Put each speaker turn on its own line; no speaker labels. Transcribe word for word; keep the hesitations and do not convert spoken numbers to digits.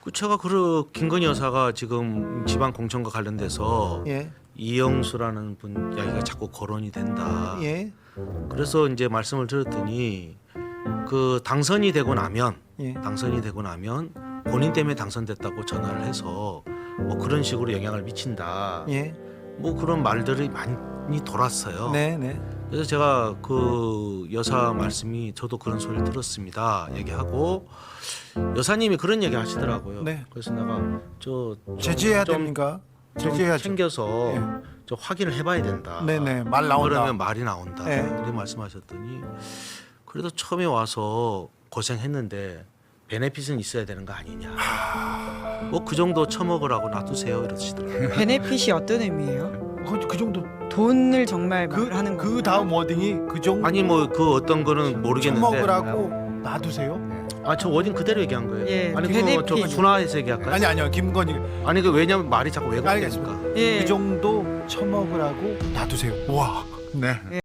그 제가 그 김건희 여사가 지금 지방 공천과 관련돼서
예.
이영수라는 분 이야기가 자꾸 거론이 된다.
예.
그래서 이제 말씀을 드렸더니 그 당선이 되고 나면
예.
당선이 되고 나면 본인 때문에 당선됐다고 전화를 해서 뭐 그런 식으로 영향을 미친다.
예.
뭐 그런 말들이 많이 돌았어요.
네, 네.
그래서 제가 그 여사 말씀이 저도 그런 소리를 들었습니다. 얘기하고 여사님이 그런 얘기 하시더라고요.
네.
그래서 내가 저 좀-
제지해야
좀
됩니까?
좀
제지해야죠.
챙겨서
예.
저 확인을 해봐야 된다.
네, 네. 말 나온다.
그러면 말이 나온다.
예.
이렇게 말씀하셨더니 그래도 처음에 와서 고생했는데 베네핏은 있어야 되는 거 아니냐. 뭐 그 정도 처먹으라고 놔두세요 이러시더라고요.
베네핏이 어떤 의미예요?
그, 그 정도
돈을 정말
그,
말하는 거.
그 다음 워딩이 그 정도
아니 뭐 그 어떤 거는 모르겠는데.
처먹으라고 놔두세요?
아 저 워딩 그대로 얘기한 거예요.
예,
아니 그거 저
베네핏.
준화해서 얘기할까요?
아니 아니요 김건희
아니 그 왜냐면 말이 자꾸 왜곡되니까.
알겠습니다.
예.
그 정도 처먹으라고 놔두세요. 와. 네.